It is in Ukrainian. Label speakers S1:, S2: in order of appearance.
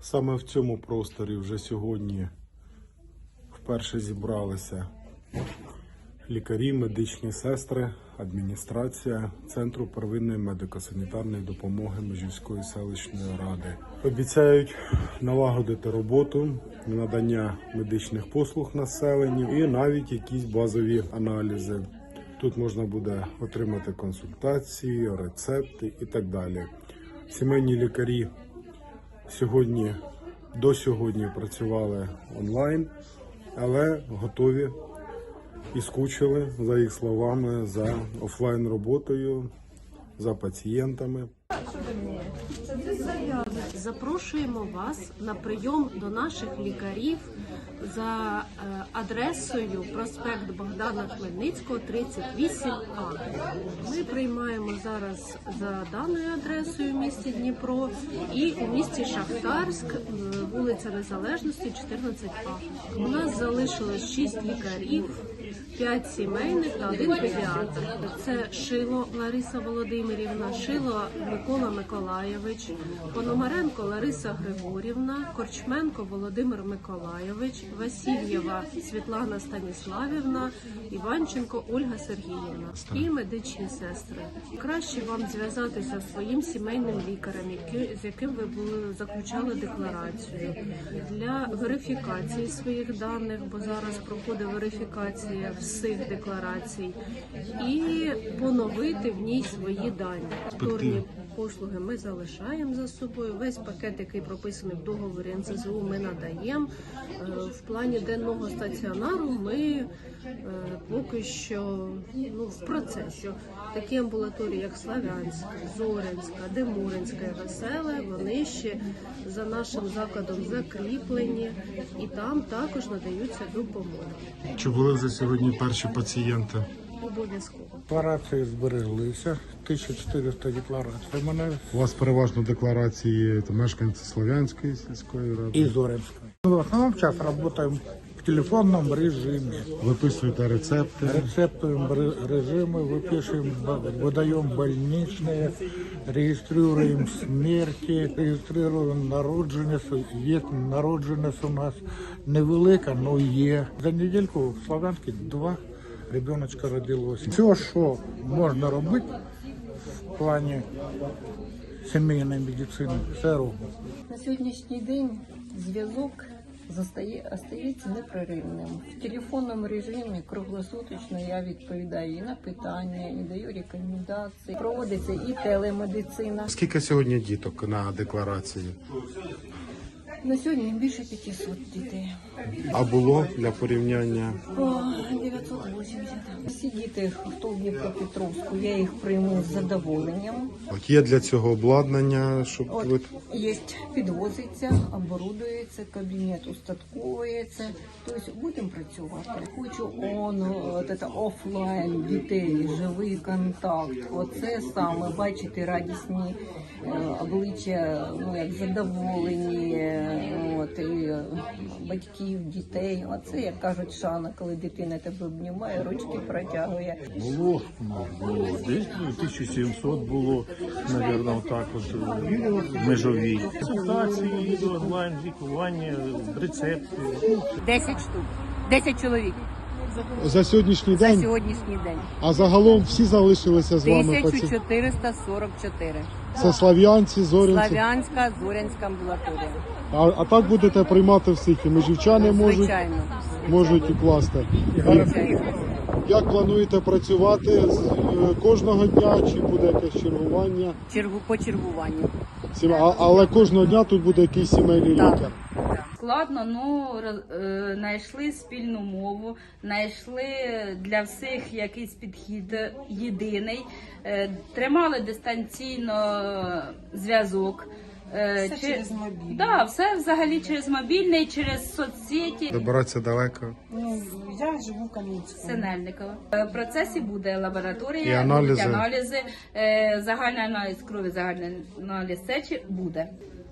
S1: Саме в цьому просторі вже сьогодні вперше зібралися лікарі, медичні сестри, адміністрація Центру первинної медико-санітарної допомоги Межівської селищної ради. Обіцяють налагодити роботу, надання медичних послуг населенню і навіть якісь базові аналізи. Тут можна буде отримати консультації, рецепти і так далі. Сімейні лікарі до сьогодні працювали онлайн, але готові і скучили, за їх словами, за офлайн роботою, за пацієнтами.
S2: Запрошуємо вас на прийом до наших лікарів за адресою проспект Богдана Хмельницького, 38А. Ми приймаємо зараз за даною адресою в місті Дніпро і у місті Шахтарськ, вулиця Незалежності, 14А. У нас залишилось 6 лікарів, 5 сімейних та 1 педіатр. Це Шило Лариса Володимирівна, Шило Микола Миколайович, Пономаренко Лариса Григорівна, Корчменко Володимир Миколайович, Васильєва Світлана Станіславівна, Іванченко Ольга Сергіївна і медичні сестри. Краще вам зв'язатися зі своїм сімейним лікарем, з яким ви заключали декларацію, для верифікації своїх даних, бо зараз проходить верифікація всіх декларацій, і поновити в ній свої дані. Повторні послуги ми залишаємо за собою. Весь пакет, який прописаний в договорі НСЗУ, ми надаємо. В плані денного стаціонару ми поки що в процесі. Такі амбулаторії, як Славянська, Зорянська, Демуринська і Веселе, вони ще за нашим закладом закріплені і там також надаються допомоги.
S1: Чи були вже сьогодні перші пацієнти?
S2: Обов'язково.
S3: Декларації збереглися, 1400 декларацій.
S1: У вас переважно декларації мешканці Слов'янської сільської ради.
S3: И Зоринской. Мы в основном сейчас работаем в телефонном режиме.
S1: Виписуєте рецепти.
S3: Рецептуем режимы, выпишем, выдаем больничные, регистрируем смерти, регистрируем народженность. Есть народженность у нас невелика, но є. За недельку в Славянській 2 ребеночка родилось. Все, що можна робити в плані сімейної медицини, все робимо.
S4: На сьогоднішній день зв'язок остається непреривним. В телефонному режимі круглосуточно я відповідаю і на питання, і даю рекомендації. Проводиться і телемедицина.
S1: Скільки сьогодні діток на декларації?
S4: На сьогодні більше 500 дітей.
S1: А було для порівняння?
S4: 980. Всі діти, хто в Дніпропетровську, я їх прийму з задоволенням.
S1: От є для цього обладнання, щоб ви...
S4: Є, підвозиться, оборудується, кабінет устатковується. Тобто будемо працювати. Хочу офлайн дітей, живий контакт. Оце саме, бачити радісні обличчя, як задоволені, і батьків, дітей. Оце, як кажуть, шана, коли дитина тебе обнімає, ручки протягує.
S5: Було, десь 1700 було, мабуть, так от, межові. Консультації, онлайн, лікування, рецепти.
S6: 10 штук, 10 чоловік
S1: За сьогоднішній
S6: за
S1: день?
S6: сьогоднішній день.
S1: А загалом всі залишилися з вами?
S6: 1444.
S1: Це Слав'янці, Зорянці?
S6: Слав'янська, Зорянська амбулаторія.
S1: А так будете приймати всіх? І межівчани
S6: Звичайно.
S1: можуть укласти? Як плануєте працювати кожного дня, чи буде якесь чергування?
S6: По чергуванню.
S1: Але кожного дня тут буде якийсь сімейний лікар?
S7: Складно, але знайшли спільну мову, знайшли для всіх якийсь підхід єдиний, тримали дистанційно зв'язок.
S8: Все через мобільний.
S7: Да, все взагалі через мобільний, через соцсеті.
S1: Добиратися далеко?
S8: Я живу в Кам'янському.
S7: Синельникова. В процесі буде
S1: І
S7: лабораторія,
S1: аналізи?
S7: будуть аналізи, загальний аналіз крові, загальний аналіз сечі буде.